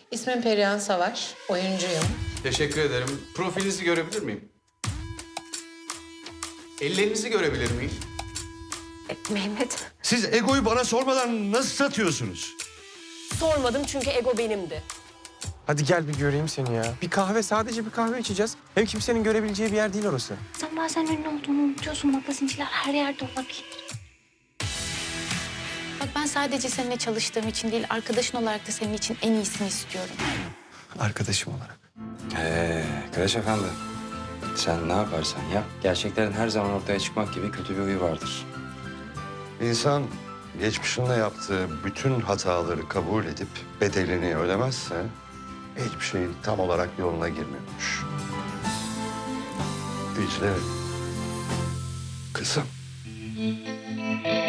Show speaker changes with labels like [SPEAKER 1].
[SPEAKER 1] İsmim Perihan Savaş, oyuncuyum.
[SPEAKER 2] Teşekkür ederim. Profilinizi görebilir miyim? Ellerinizi görebilir miyim?
[SPEAKER 3] Mehmet.
[SPEAKER 4] Siz egoyu bana sormadan nasıl satıyorsunuz?
[SPEAKER 3] Sormadım çünkü ego benimdi.
[SPEAKER 5] Hadi gel bir göreyim seni ya. Bir kahve, sadece bir kahve içeceğiz. Hem kimsenin görebileceği bir yer değil orası.
[SPEAKER 6] Sen bazen ünlü olduğunu unutuyorsun. Magazinciler her yerde olabilir.
[SPEAKER 7] Bak ben sadece seninle çalıştığım için değil, arkadaşın olarak da senin için en iyisini istiyorum.
[SPEAKER 5] Arkadaşım olarak.
[SPEAKER 8] Kıraç Efendi. Sen ne yaparsan yap, gerçeklerin her zaman ortaya çıkmak gibi kötü bir huyu vardır.
[SPEAKER 4] İnsan geçmişinde yaptığı bütün hataları kabul edip bedelini ödemezse hiçbir şey tam olarak yoluna girmiyormuş. Dicle, kızım.